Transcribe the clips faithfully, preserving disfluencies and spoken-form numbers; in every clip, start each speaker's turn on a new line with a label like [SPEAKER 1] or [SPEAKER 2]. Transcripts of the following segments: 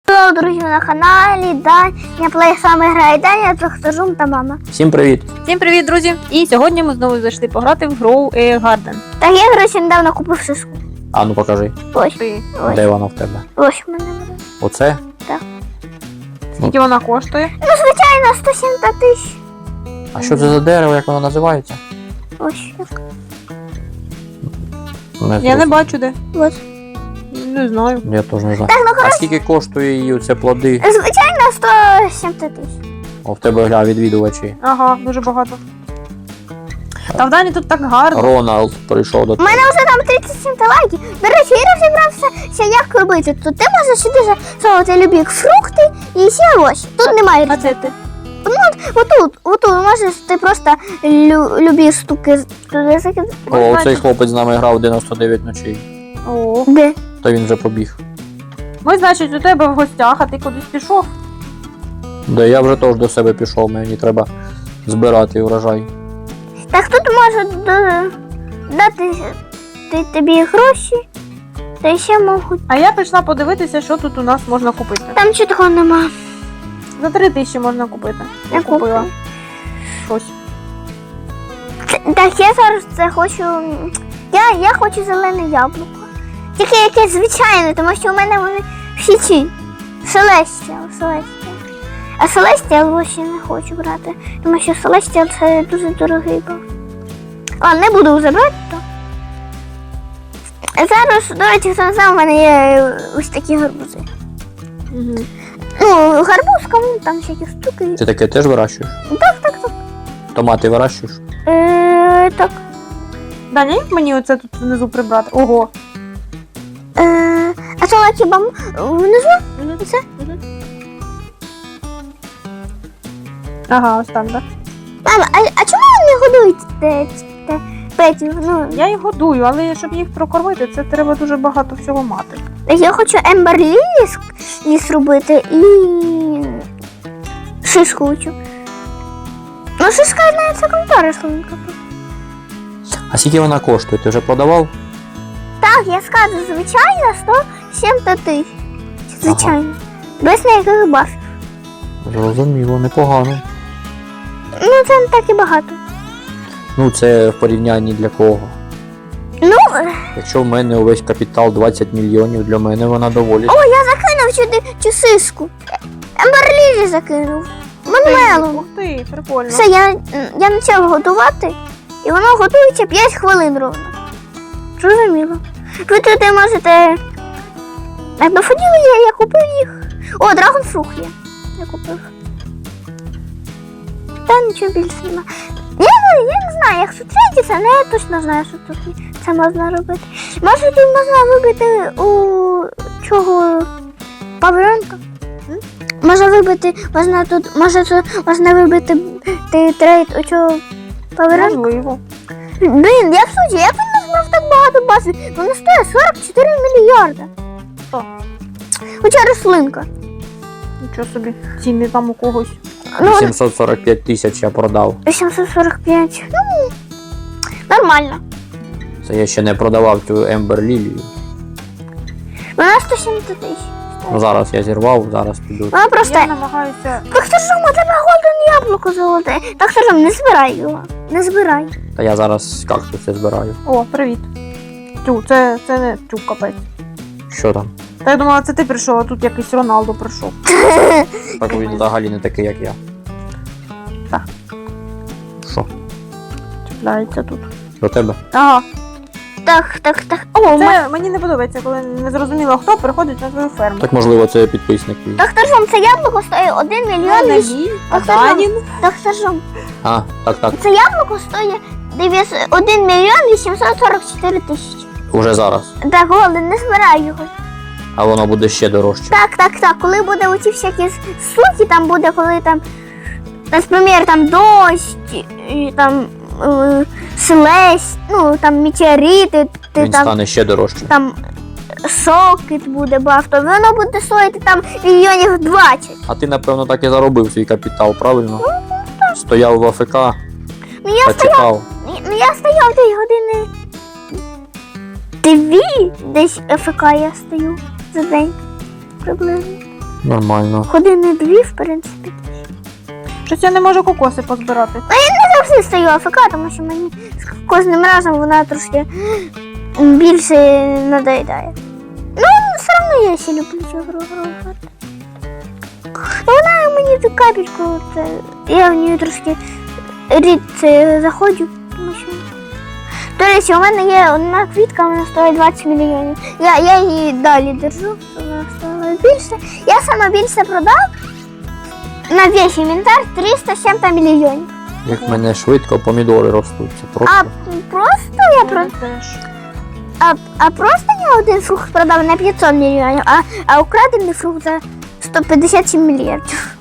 [SPEAKER 1] Hello, друзі, на каналі Даня Плей саме грає Даня, Трохтажум та мама.
[SPEAKER 2] Всім привіт!
[SPEAKER 3] Всім привіт, друзі! І сьогодні ми знову зайшли пограти в Grow a Garden.
[SPEAKER 1] Так я, до речі, недавно купив сиску.
[SPEAKER 2] А ну покажи,
[SPEAKER 1] Ось,
[SPEAKER 3] Ти.
[SPEAKER 1] ось,
[SPEAKER 2] де вона в тебе?
[SPEAKER 1] ось в мене буде.
[SPEAKER 2] Оце?
[SPEAKER 3] Скільки вона коштує?
[SPEAKER 1] Ну, звичайно, сто сімдесят тисяч.
[SPEAKER 2] А що це за дерево, як воно називається?
[SPEAKER 1] Ось, як.
[SPEAKER 2] Не
[SPEAKER 3] Я не
[SPEAKER 2] зрозумів.
[SPEAKER 3] бачу де.
[SPEAKER 1] Ось.
[SPEAKER 3] Не знаю.
[SPEAKER 2] Я теж не знаю.
[SPEAKER 1] Так, ну,
[SPEAKER 2] А
[SPEAKER 1] коротше,
[SPEAKER 2] скільки коштує її оце плоди?
[SPEAKER 1] звичайно, сто сімдесят тисяч.
[SPEAKER 2] О, в тебе гля відвідувачі.
[SPEAKER 3] Ага, дуже багато. Та в Дані тут так гарно.
[SPEAKER 2] Роналд прийшов до
[SPEAKER 1] У
[SPEAKER 2] тебе.
[SPEAKER 1] мене вже там тридцять сім лайків. До речі, я розібрався, як робити. Тут ти можеш сюди засовувати любі фрукти і всі овочі. Тут немає
[SPEAKER 3] А це
[SPEAKER 1] рецепту.
[SPEAKER 3] ти?
[SPEAKER 1] Отут, отут можеш ти просто лю- любі штуки туди закидати.
[SPEAKER 2] О, цей хлопець з нами грав дев'яносто дев'ять ночей.
[SPEAKER 3] О.
[SPEAKER 1] Де?
[SPEAKER 2] То він вже побіг.
[SPEAKER 3] Ми, значить, у тебе в гостях, а ти кудись пішов.
[SPEAKER 2] Де я вже теж до себе пішов, мені треба збирати урожай.
[SPEAKER 1] Так тут можуть да- дати ти- тобі гроші, та ще можуть.
[SPEAKER 3] А я прийшла подивитися, що тут у нас можна купити.
[SPEAKER 1] Там чого такого нема.
[SPEAKER 3] За три тисячі можна купити. Я
[SPEAKER 1] Я
[SPEAKER 3] купила
[SPEAKER 1] куплю.
[SPEAKER 3] щось.
[SPEAKER 1] Це- Так я зараз це хочу. Я, я хочу зелене яблуко. Тільки якесь звичайне, тому що у мене вони всі ці. Селестіал, Селестіал. А Селестіал ще не хочу брати, тому що Селестіал це дуже дорогий був. Ладно, не буду забрати то. А зараз, до речі, хто не знав, у мене є ось такі гарбузи.
[SPEAKER 3] Угу.
[SPEAKER 1] Ну, гарбуз, кому там всякі штуки.
[SPEAKER 2] Ти таке теж вирощуєш?
[SPEAKER 1] Так, так, так.
[SPEAKER 2] Томати вирощуєш?
[SPEAKER 1] Е, так.
[SPEAKER 3] Даня, як мені оце тут внизу прибрати? Ого.
[SPEAKER 1] Е, а це на хіба внизу? Це?
[SPEAKER 3] Ага, ось там, так.
[SPEAKER 1] Мама, а, а чому ви не годуєте те, те, петів? Ну,
[SPEAKER 3] Я їх годую, але щоб їх прокормити, це треба дуже багато всього мати.
[SPEAKER 1] я хочу Ембер Ліліс ліс робити і шишку хочу. Ну, шишка навіть це крута рослинка.
[SPEAKER 2] А скільки вона коштує? Ти вже продавав?
[SPEAKER 1] Так, я скажу, звичайно, сто сімдесят тисяч. Звичайно. Без ніяких бафів.
[SPEAKER 2] Зрозуміло, непогано.
[SPEAKER 1] Ну, це не так і багато.
[SPEAKER 2] Ну, це в порівнянні для кого?
[SPEAKER 1] Ну,
[SPEAKER 2] Якщо в мене увесь капітал двадцять мільйонів, для мене вона доволі.
[SPEAKER 1] о, я закинув сюди цю сиску. Ембер Ліліс закинув. Манмелом.
[SPEAKER 3] Ух ти, прикольно.
[SPEAKER 1] Все, я, я почав готувати, і воно готується п'ять хвилин ровно. Зрозуміло. Ви туди можете. Так, до фонів є, я купив їх. О, драгонфрукт є. Я купив. Та нічого більше нема. Я, не- я не знаю, як зустрітися, але я точно знаю, що тут це можна робити. Може тут можна вибити у чого павільонка? М? Може вибити, можна тут, може тут можна вибити ти трейд у чого павільонка?
[SPEAKER 3] Можливо.
[SPEAKER 1] Блін, як суті, як він назбрав так багато бази? Вони стоять сорок чотири мільярда.
[SPEAKER 3] Що?
[SPEAKER 1] Хоча рослинка.
[SPEAKER 3] Нічого собі. Ціни там у когось.
[SPEAKER 1] Ну,
[SPEAKER 2] сімсот сорок п'ять тисяч я продав.
[SPEAKER 1] сімсот сорок п'ять. Ну, нормально.
[SPEAKER 2] Це я ще не продавав цю Ембер Лілію.
[SPEAKER 1] Вона сто сімдесят тисяч.
[SPEAKER 2] Ну зараз я зірвав, зараз піду.
[SPEAKER 1] Вона просто.
[SPEAKER 3] Я намагаюся.
[SPEAKER 1] Так що ж у тебе голден яблуко золоте? Так що ж не збирай його. Не збирай.
[SPEAKER 2] Та я зараз кактуси збираю.
[SPEAKER 3] О, привіт. Тю, це, це не тю, капець.
[SPEAKER 2] Що там?
[SPEAKER 3] Та я думала, це ти прийшов, а тут якийсь Роналдо прийшов.
[SPEAKER 2] Так він взагалі не такий, як я.
[SPEAKER 3] Так.
[SPEAKER 2] Що?
[SPEAKER 3] Чіпляється тут.
[SPEAKER 2] До тебе?
[SPEAKER 3] Ага.
[SPEAKER 1] Так, так, так. О, ма...
[SPEAKER 3] Це мені не подобається, коли не зрозуміло, хто приходить на твою ферму.
[SPEAKER 2] Так можливо це підписник твій.
[SPEAKER 1] Так що ж вам це яблуко стоїть один мільйон
[SPEAKER 3] не
[SPEAKER 1] вісім.
[SPEAKER 3] мій,
[SPEAKER 1] Так
[SPEAKER 3] а
[SPEAKER 1] що ж вам-
[SPEAKER 3] Данін.
[SPEAKER 1] Так що ж вам
[SPEAKER 2] А, так, так.
[SPEAKER 1] це яблуко стоїть дев'ятсот один мільйон вісімсот сорок чотири тисячі.
[SPEAKER 2] Уже зараз.
[SPEAKER 1] Так, голден, не збирай його.
[SPEAKER 2] А воно буде ще дорожче.
[SPEAKER 1] Так, так, так. Коли буде оці всякі штуки, там буде, коли там, наприклад, там дощ, і там е, селесть, ну там метеорити, ти
[SPEAKER 2] Він
[SPEAKER 1] там,
[SPEAKER 2] стане ще дорожче.
[SPEAKER 1] там сокет буде бафто, воно буде стоїти там мільйонів двадцять.
[SPEAKER 2] А ти, напевно, так і заробив свій капітал, правильно? Стояв в АФК,
[SPEAKER 1] Ну я
[SPEAKER 2] та
[SPEAKER 1] стояв,
[SPEAKER 2] чекав.
[SPEAKER 1] ну я стояв десь години дві, десь АФК я стою за день приблизно.
[SPEAKER 2] Нормально.
[SPEAKER 1] Години дві, в принципі.
[SPEAKER 3] Щось я не можу кокоси позбирати.
[SPEAKER 1] Завжди стою АФК, тому що мені з кожним разом вона трошки більше надоїдає. Ну, все одно я ще люблю цю гру грати. Ну, вона мені ту капельку, от, я в неї трошки рідко заходжу, тому що... До речі, у мене є одна квітка, вона стоїть двадцять мільйонів. Я, я її далі держу, вона стоїла більше. Я саме більше продав на весь інвентар триста з чим-то мільйонів.
[SPEAKER 2] Як в мене швидко помідори ростуть. Це просто.
[SPEAKER 1] А просто я про
[SPEAKER 3] теж.
[SPEAKER 1] а, а просто я один фрукт продав на п'ятсот мільйонів, а, а украдений фрукт за сто п'ятдесят сім мільярдів.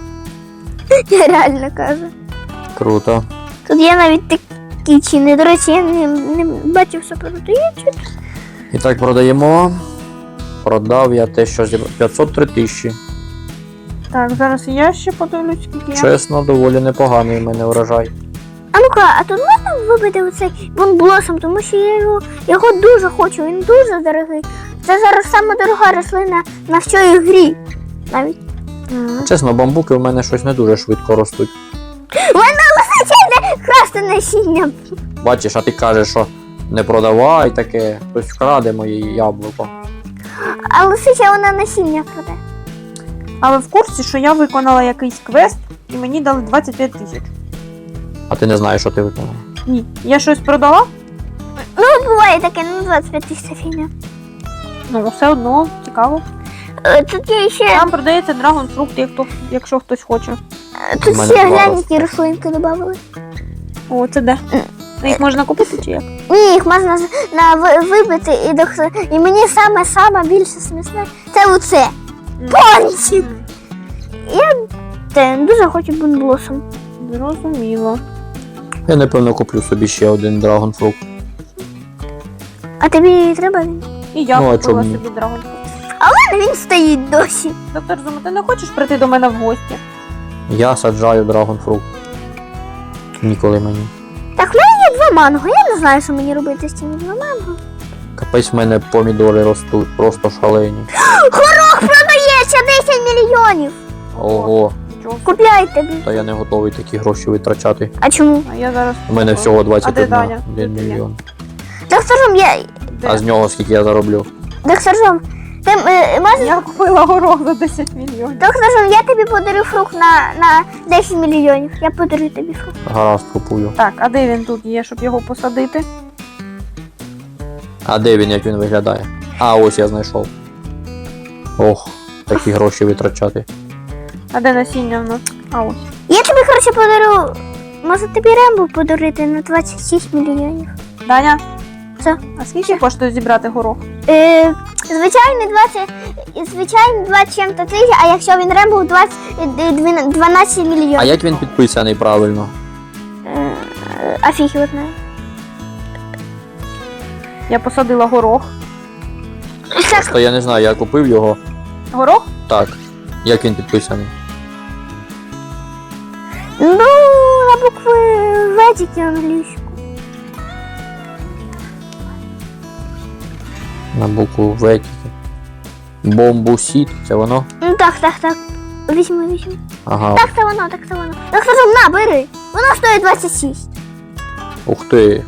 [SPEAKER 1] Я реально кажу.
[SPEAKER 2] Круто.
[SPEAKER 1] Тут є навіть такі ціни. До речі, я не, не бачив, що продається.
[SPEAKER 2] І так продаємо. Продав я те, що зібрав. п'ятсот три тисячі.
[SPEAKER 3] Так, зараз я ще подивлюсь, скільки я.
[SPEAKER 2] Чесно, доволі непоганий в мене урожай.
[SPEAKER 1] А ну-ка, а тут можна вибити оцей бонблосом, тому що я його, його дуже хочу, він дуже дорогий. Це зараз саме дорога рослина на всій грі. Навіть.
[SPEAKER 3] М.
[SPEAKER 2] Чесно, бамбуки в мене щось не дуже швидко ростуть.
[SPEAKER 1] У мене лисиця йде красти насіння.
[SPEAKER 2] Бачиш, а ти кажеш, що не продавай таке, хтось вкраде моє яблуко.
[SPEAKER 1] А лисиця вона насіння краде.
[SPEAKER 3] А ви в курсі, що я виконала якийсь квест і мені дали двадцять п'ять тисяч?
[SPEAKER 2] А ти не знаєш, що ти виконав.
[SPEAKER 3] Ні. Я щось продала?
[SPEAKER 1] Ну, буває таке, ну двадцять п'ять тисяч фігня.
[SPEAKER 3] Ну, все одно, цікаво.
[SPEAKER 1] Е, Тут є ще,
[SPEAKER 3] Там продається драгонфрукт, як хто- якщо хтось хоче.
[SPEAKER 1] е, тут
[SPEAKER 2] У мене
[SPEAKER 1] ще
[SPEAKER 2] два
[SPEAKER 1] глянь,
[SPEAKER 2] ростуть.
[SPEAKER 1] які рослинки додали.
[SPEAKER 3] О, це де? Їх можна купити чи як?
[SPEAKER 1] Ні, їх можна з- на ви- вибити і дох- і мені саме-саме більше смісне це оце. Пончик!
[SPEAKER 3] М,
[SPEAKER 1] Я те, дуже хочу бонблосом.
[SPEAKER 3] Зрозуміло.
[SPEAKER 2] Я напевно куплю собі ще один драгонфрукт.
[SPEAKER 1] А тобі треба він?
[SPEAKER 3] І я
[SPEAKER 2] Ну, а
[SPEAKER 3] купила
[SPEAKER 2] чому ні?
[SPEAKER 3] собі драгонфрукт.
[SPEAKER 1] А він стоїть досі.
[SPEAKER 3] Доктор Зума, ти не хочеш прийти до мене в гості?
[SPEAKER 2] Я саджаю драгонфрукт. Ніколи мені.
[SPEAKER 1] Так, в мене є два манго. Я не знаю, що мені робити з цими два манго.
[SPEAKER 2] Капець в мене помідори ростуть, просто шалені.
[SPEAKER 1] Горох продається десять мільйонів.
[SPEAKER 2] Ого,
[SPEAKER 3] Нічого.
[SPEAKER 1] Купляй тобі.
[SPEAKER 2] та я не готовий такі гроші витрачати.
[SPEAKER 1] А чому?
[SPEAKER 3] А я зараз...
[SPEAKER 2] У мене всього
[SPEAKER 3] А де
[SPEAKER 2] двадцять
[SPEAKER 3] Даня?
[SPEAKER 2] один
[SPEAKER 3] Де ти є?
[SPEAKER 2] мільйон.
[SPEAKER 1] Доктор Жом, я...
[SPEAKER 3] Де?
[SPEAKER 2] А з нього скільки я зароблю?
[SPEAKER 1] Доктор Жом, ти е, можеш...
[SPEAKER 3] Я купила горох за десять мільйонів.
[SPEAKER 1] Доктор Жом, я тобі подарю фрукт на, на десять мільйонів. Я подарю тобі фрукт.
[SPEAKER 2] Гаразд, купую.
[SPEAKER 3] Так, а де він тут є, щоб його посадити?
[SPEAKER 2] А де він, як він виглядає? А, ось я знайшов. Ох, такі гроші витрачати.
[SPEAKER 3] А де насіння в нас? А ось.
[SPEAKER 1] Я тобі, коротше, подарю... Може тобі Рембо подарити на двадцять шість мільйонів?
[SPEAKER 3] Даня?
[SPEAKER 1] Що?
[SPEAKER 3] А скільки коштує зібрати горох?
[SPEAKER 1] Е, звичайний двадцять... Звичайний двадцять чим-то тисяч, а якщо він Рембо двадцять... е, дві- дванадцять мільйонів.
[SPEAKER 2] А як він підписаний правильно?
[SPEAKER 1] Е, а фіг його знає.
[SPEAKER 3] Я посадила горох.
[SPEAKER 1] Так,
[SPEAKER 2] То я не знаю, я купив його.
[SPEAKER 3] Горох?
[SPEAKER 2] Так. Як він підписаний?
[SPEAKER 1] ну, на букви В тільки англійську.
[SPEAKER 2] На букву В тільки. Бомбусіт, це воно?
[SPEAKER 1] Ну так, так, так. Візьми, візьми.
[SPEAKER 2] Ага.
[SPEAKER 1] Так, це воно, так, це воно. Так, скажу, на, бери. Воно стоїть двадцять шість.
[SPEAKER 2] Ух ти.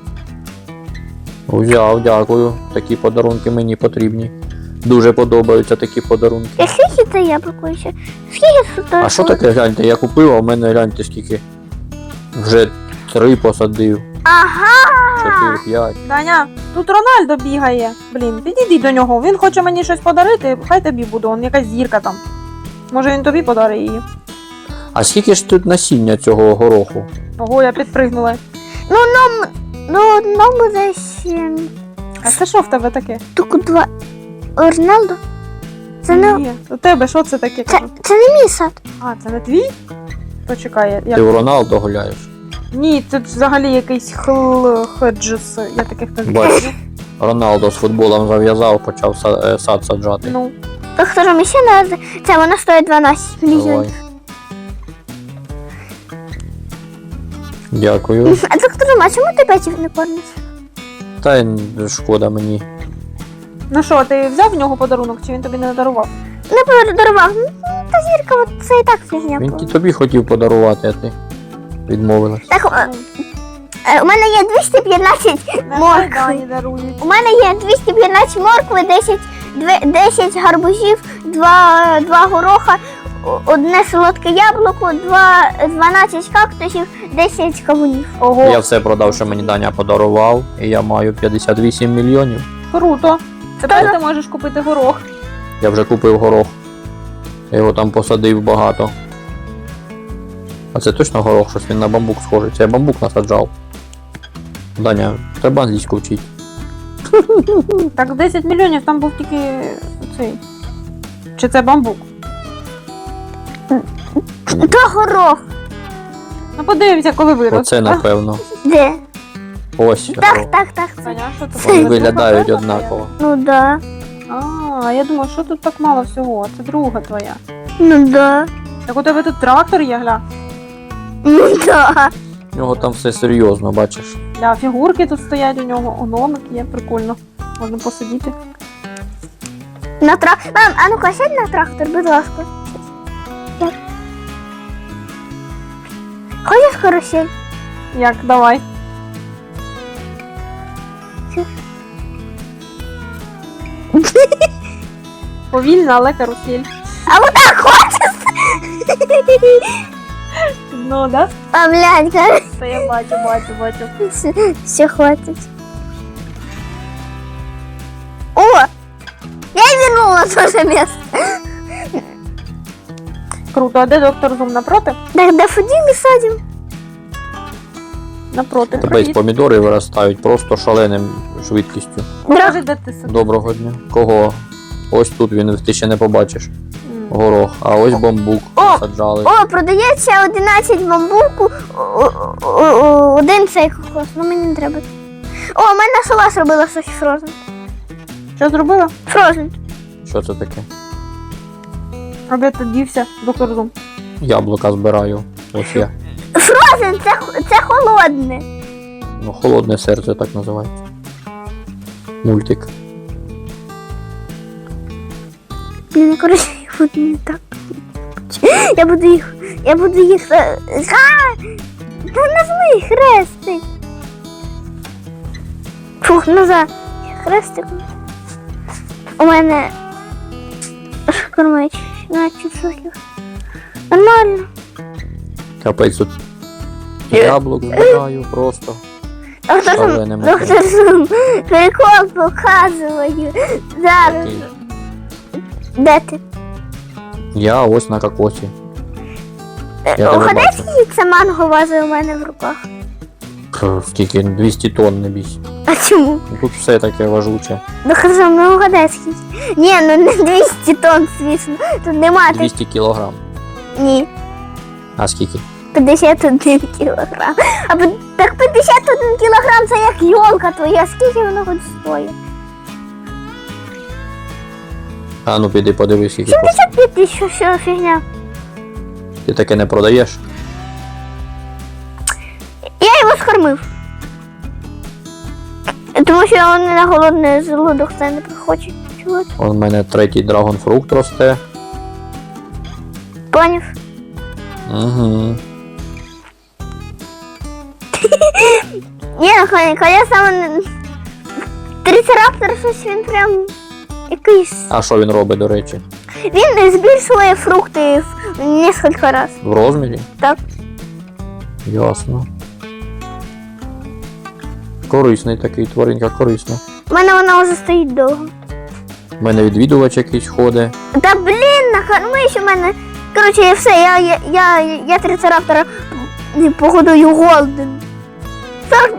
[SPEAKER 2] Взяв, дякую. Такі подарунки мені потрібні. Дуже подобаються такі подарунки.
[SPEAKER 1] Я скільки це яблуко ще? Скільки тут?
[SPEAKER 2] А що таке, гляньте, я купив, а в мене гляньте скільки. Вже три посадив.
[SPEAKER 1] Ага.
[SPEAKER 2] Чотири, п'ять.
[SPEAKER 3] Даня, тут Рональдо бігає. Блін, підійди до нього. Він хоче мені щось подарити, хай тобі буде, он якась зірка там. Може він тобі подарить її.
[SPEAKER 2] А скільки ж тут насіння цього гороху?
[SPEAKER 3] Ого, я підпригнула.
[SPEAKER 1] Ну, ну, ну, одному десь ем,
[SPEAKER 3] А це що в тебе таке?
[SPEAKER 1] тільки два. Роналдо? Це не,
[SPEAKER 3] Ні, у тебе що це таке?
[SPEAKER 1] це,
[SPEAKER 3] кажу?
[SPEAKER 1] це не мій сад.
[SPEAKER 3] А, це не твій? Почекай, я...
[SPEAKER 2] Ти у Роналдо гуляєш?
[SPEAKER 3] Ні, це взагалі якийсь хл... хеджес, я таких не
[SPEAKER 2] Бач.
[SPEAKER 3] знаю.
[SPEAKER 2] Роналдо з футболом зав'язав, почав са- е, сад саджати.
[SPEAKER 3] Ну,
[SPEAKER 1] Так, скажу, ще не це воно стоїть дванадцять мільйонів.
[SPEAKER 2] Давай. Дякую.
[SPEAKER 1] А доктор, а чому ти печів не кормиш?
[SPEAKER 2] Та й шкода мені.
[SPEAKER 3] ну що, ти взяв в нього подарунок, чи він тобі не дарував?
[SPEAKER 1] не подарував. Ну, та зірка, от це і так фігня.
[SPEAKER 2] Він
[SPEAKER 1] була.
[SPEAKER 2] ті тобі хотів подарувати, а ти відмовилась.
[SPEAKER 1] Так, е, е, у мене є двісті п'ятнадцять моркви.
[SPEAKER 3] Дані дарують.
[SPEAKER 1] У мене є двісті п'ятнадцять моркви, десять, две- десять гарбузів, два, два гороха, о- одне солодке яблуко, два, дванадцять кактусів, десять кавунів.
[SPEAKER 3] Ого,
[SPEAKER 2] Я все продав, що мені Даня подарував, і я маю п'ятдесят вісім мільйонів.
[SPEAKER 3] круто. Тепер ти можеш купити горох.
[SPEAKER 2] Я вже купив горох. Я його там посадив багато. А це точно горох, щось він на бамбук схожий. Це я бамбук насаджав. Даня, треба англійську вчити.
[SPEAKER 3] Так, десять мільйонів там був тільки цей. Чи це бамбук?
[SPEAKER 1] То горох.
[SPEAKER 3] Ну подивимося, коли виросте.
[SPEAKER 2] Оце напевно.
[SPEAKER 1] Де?
[SPEAKER 2] Ось.
[SPEAKER 1] Так,
[SPEAKER 2] горох.
[SPEAKER 1] так, так. Це.
[SPEAKER 3] Таня, що тут?
[SPEAKER 2] Вони
[SPEAKER 3] Це
[SPEAKER 2] виглядають
[SPEAKER 3] друга
[SPEAKER 2] однаково.
[SPEAKER 1] Ну да.
[SPEAKER 3] твоя? А, я думаю, що тут так мало всього? Це друга твоя.
[SPEAKER 1] Ну да.
[SPEAKER 3] Так у тебе тут трактор є, гля.
[SPEAKER 1] Ну да.
[SPEAKER 2] У нього там все серйозно, бачиш.
[SPEAKER 3] Для фігурки тут стоять у нього, гномик є, прикольно. Можна посидіти.
[SPEAKER 1] На трак... Мам, а ну-ка, сядь на трактор, будь ласка. Як? Хочеш карусель?
[SPEAKER 3] Як, давай. Повільно, але карусель.
[SPEAKER 1] А вот так хочеш?
[SPEAKER 3] Ну, да?
[SPEAKER 1] А, блядь, карусель.
[SPEAKER 3] Це я бачу, бачу, бачу.
[SPEAKER 1] Все, все хватит. О! Я и вернула то же место.
[SPEAKER 3] Круто, а де доктор Зум напроти?
[SPEAKER 1] Так, дафодили садим.
[SPEAKER 3] Напроти.
[SPEAKER 2] Тебе
[SPEAKER 3] Привіт.
[SPEAKER 2] помідори виростають просто шаленим швидкістю.
[SPEAKER 3] Покажи, де ти сидиш.
[SPEAKER 2] Доброго дня. Кого? Ось тут він, ти ще не побачиш.
[SPEAKER 3] М.
[SPEAKER 2] Горох, а ось бамбук
[SPEAKER 1] О!
[SPEAKER 2] насаджали.
[SPEAKER 1] О, продається одинадцять бамбуку, о- о- о- о- один цей кокос, ну мені не треба. О, у мене сова зробила щось фрозен.
[SPEAKER 3] Що зробила?
[SPEAKER 1] Фрозен.
[SPEAKER 2] Що це таке?
[SPEAKER 3] А де ти дівся, доктор Зум?
[SPEAKER 2] Яблука збираю. Ось я.
[SPEAKER 1] Фрозен, це, х- це холодне.
[SPEAKER 2] Ну, холодне серце так називається. Мультик.
[SPEAKER 1] Блін, коротше, я буду не так. Я буду їх. Я буду їх. е, А! Та нажми хрестик. Фух, назад. Хрестик. У мене кормить шістнадцять соків. Нормально.
[SPEAKER 2] Капець тут. Яблук збираю просто.
[SPEAKER 1] Доктор Зум,
[SPEAKER 2] Шаленим
[SPEAKER 1] доктор Зум, прикол показую. Зараз.
[SPEAKER 2] Такий.
[SPEAKER 1] Де ти?
[SPEAKER 2] Я ось на кокосі. Я тебе
[SPEAKER 1] Угадай,
[SPEAKER 2] бачу.
[SPEAKER 1] скільки це манго вазить у мене в руках?
[SPEAKER 2] Пф, Скільки двісті тонн не бійся.
[SPEAKER 1] А чому?
[SPEAKER 2] Ну, тут все таке важуче.
[SPEAKER 1] Доктор Зум, ну угадай, скільки. Ні, ну не двісті тонн, звісно. Тут нема так.
[SPEAKER 2] двісті кілограм.
[SPEAKER 1] Ні.
[SPEAKER 2] А скільки?
[SPEAKER 1] п'ятдесят один кілограм. А пи- так п'ятдесят один кілограм це як йолка твоя. Скільки воно хоч стоїть?
[SPEAKER 2] А ну піди подивись, скільки коштує.
[SPEAKER 1] сімдесят п'ять тисяч, що фігня.
[SPEAKER 2] Ти таке не продаєш?
[SPEAKER 1] Я його скормив. Тому що він на голодний желудок це не хоче. Чого?
[SPEAKER 2] У мене третій драгонфрукт росте.
[SPEAKER 1] Поняв?
[SPEAKER 2] Угу.
[SPEAKER 1] Ні, ну коли, коли саме не- трицераптор щось він прям якийсь.
[SPEAKER 2] А що він робить, до речі?
[SPEAKER 1] Він збільшує фрукти в несколько раз.
[SPEAKER 2] В розмірі?
[SPEAKER 1] Так.
[SPEAKER 2] Ясно. Корисний такий, тваринка корисна.
[SPEAKER 1] У мене вона вже стоїть довго.
[SPEAKER 2] У мене відвідувач якийсь ходить.
[SPEAKER 1] Та блін, накормиш у мене. Коротше, я все, я, я, я, я трицераптора м, погодую голден. Так.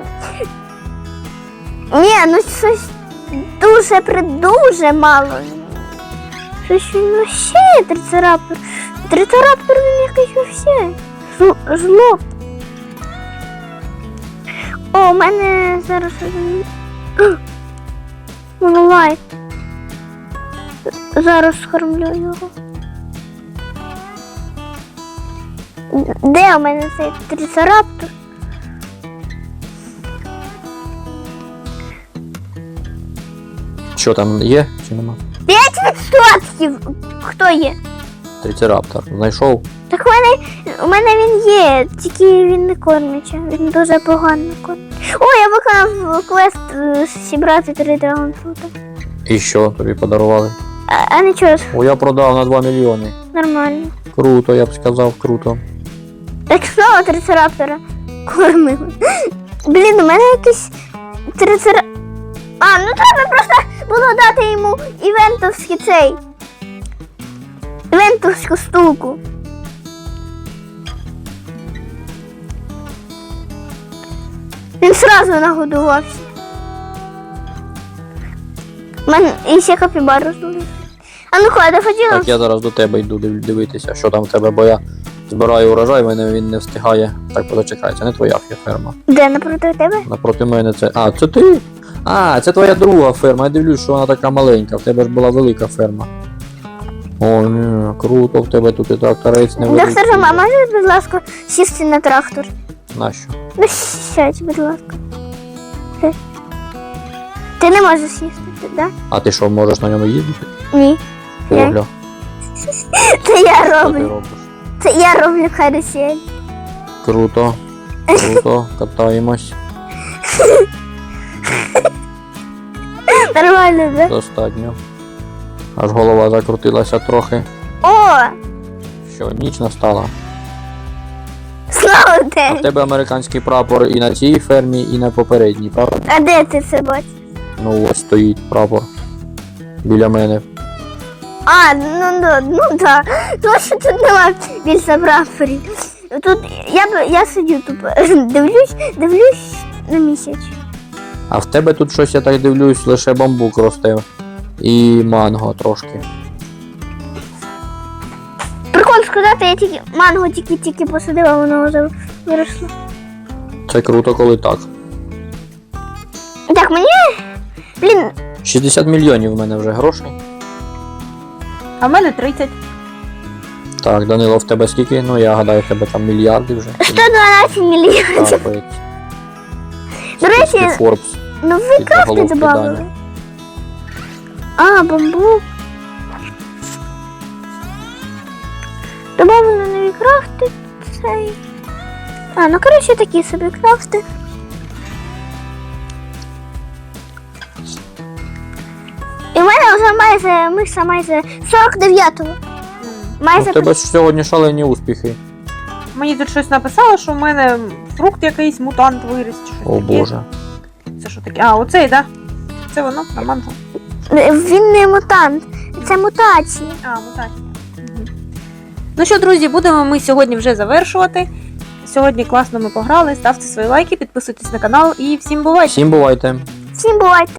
[SPEAKER 1] Ні, ну щось дуже придуже мало. Щось він вообще трицераптор. Трицераптор він якийсь вообще. Жл- Жлоб. О, у мене зараз один. Монолайт. Зараз скормлю його. Де у мене цей трицераптор?
[SPEAKER 2] Що там є чи нема?
[SPEAKER 1] Я п'ять відсотків. Хто є?
[SPEAKER 2] Трицераптор. Знайшов?
[SPEAKER 1] Так у мене, у мене він є, тільки він не кормиться. Він дуже погано кормить. О, я виконав квест е, зібрати три драгонфрута.
[SPEAKER 2] І що тобі подарували?
[SPEAKER 1] А, а нічого,
[SPEAKER 2] О, я продав на два мільйони.
[SPEAKER 1] нормально.
[SPEAKER 2] Круто, я б сказав, круто.
[SPEAKER 1] Так знову трицераптора кормили. Блін, у мене якийсь трицера... А, ну треба просто було дати йому івентовський цей. Івентовську штуку. Він сразу нагодувався. У мене і ще капібару здулися. А ну ходи, хотіла.
[SPEAKER 2] Так, я зараз до тебе йду див- дивитися, що там в тебе, бо я збираю урожай, в мене він не встигає. Так, позачекай, це не твоя ферма.
[SPEAKER 1] Де напроти тебе?
[SPEAKER 2] Напроти мене це. А, це ти? А, це твоя друга ферма. Я дивлюсь, що вона така маленька. В тебе ж була велика ферма. О, ні, круто, в тебе тут і тракторець невеликий.
[SPEAKER 1] Доктор Жома, можеш, будь ласка, сісти на трактор?
[SPEAKER 2] Нащо?
[SPEAKER 1] Ну, сядь, будь ласка. Ти- Ти не можеш сісти, так? Да?
[SPEAKER 2] А ти що, можеш на ньому їздити?
[SPEAKER 1] Ні. Я-
[SPEAKER 2] Огля,
[SPEAKER 1] Це я
[SPEAKER 2] що ти
[SPEAKER 1] роблю.
[SPEAKER 2] робиш?
[SPEAKER 1] Це я роблю карусель.
[SPEAKER 2] Круто, круто, катаємось.
[SPEAKER 1] Нормально, да?
[SPEAKER 2] Достатньо. Аж голова закрутилася трохи.
[SPEAKER 1] О!
[SPEAKER 2] Що, ніч настала.
[SPEAKER 1] Слава
[SPEAKER 2] А в
[SPEAKER 1] день!
[SPEAKER 2] тебе американський прапор і на цій фермі, і на попередній, правда?
[SPEAKER 1] А де ти це бачиш?
[SPEAKER 2] Ну ось стоїть прапор. Біля мене.
[SPEAKER 1] А, ну да, ну да. Тому що тут немає більше прапорів. Тут я б я сидю тут, дивлюсь, дивлюсь на місяць.
[SPEAKER 2] А в тебе тут щось, я так дивлюсь, лише бамбук росте. І манго трошки.
[SPEAKER 1] Прикол сказати, я тільки манго тільки-тільки посадила, воно вже виросло.
[SPEAKER 2] Це круто, коли так.
[SPEAKER 1] Так, мені. Блін,
[SPEAKER 2] шістдесят мільйонів в мене вже грошей.
[SPEAKER 3] А в мене тридцять.
[SPEAKER 2] Так, Данило, в тебе скільки? Ну я гадаю, в тебе там мільярди вже.
[SPEAKER 1] сто дванадцять мільйонів.
[SPEAKER 2] Капець.
[SPEAKER 1] До речі,
[SPEAKER 2] Скільки Форбс.
[SPEAKER 1] ну ви
[SPEAKER 2] під
[SPEAKER 1] крафти
[SPEAKER 2] заголовки
[SPEAKER 1] добавили.
[SPEAKER 2] Дані.
[SPEAKER 1] А, бамбук. Добавили нові крафти. Цей. А, ну коротше такі собі крафти. І в мене вже майже, миша майже сорок дев'ятого.
[SPEAKER 2] Ну,
[SPEAKER 1] Майже
[SPEAKER 2] в тебе ж сьогодні шалені успіхи.
[SPEAKER 3] Мені тут щось написало, що в мене фрукт якийсь мутант виріс чи щось
[SPEAKER 2] О
[SPEAKER 3] таке.
[SPEAKER 2] боже.
[SPEAKER 3] Це що таке? А, оцей, так? Да? Це воно, на манго.
[SPEAKER 1] він не мутант, це мутація.
[SPEAKER 3] А, мутація. Угу. Ну що, друзі, будемо ми сьогодні вже завершувати. Сьогодні класно ми пограли. Ставте свої лайки, підписуйтесь на канал і всім бувайте!
[SPEAKER 2] Всім бувайте.
[SPEAKER 1] Всім бувайте!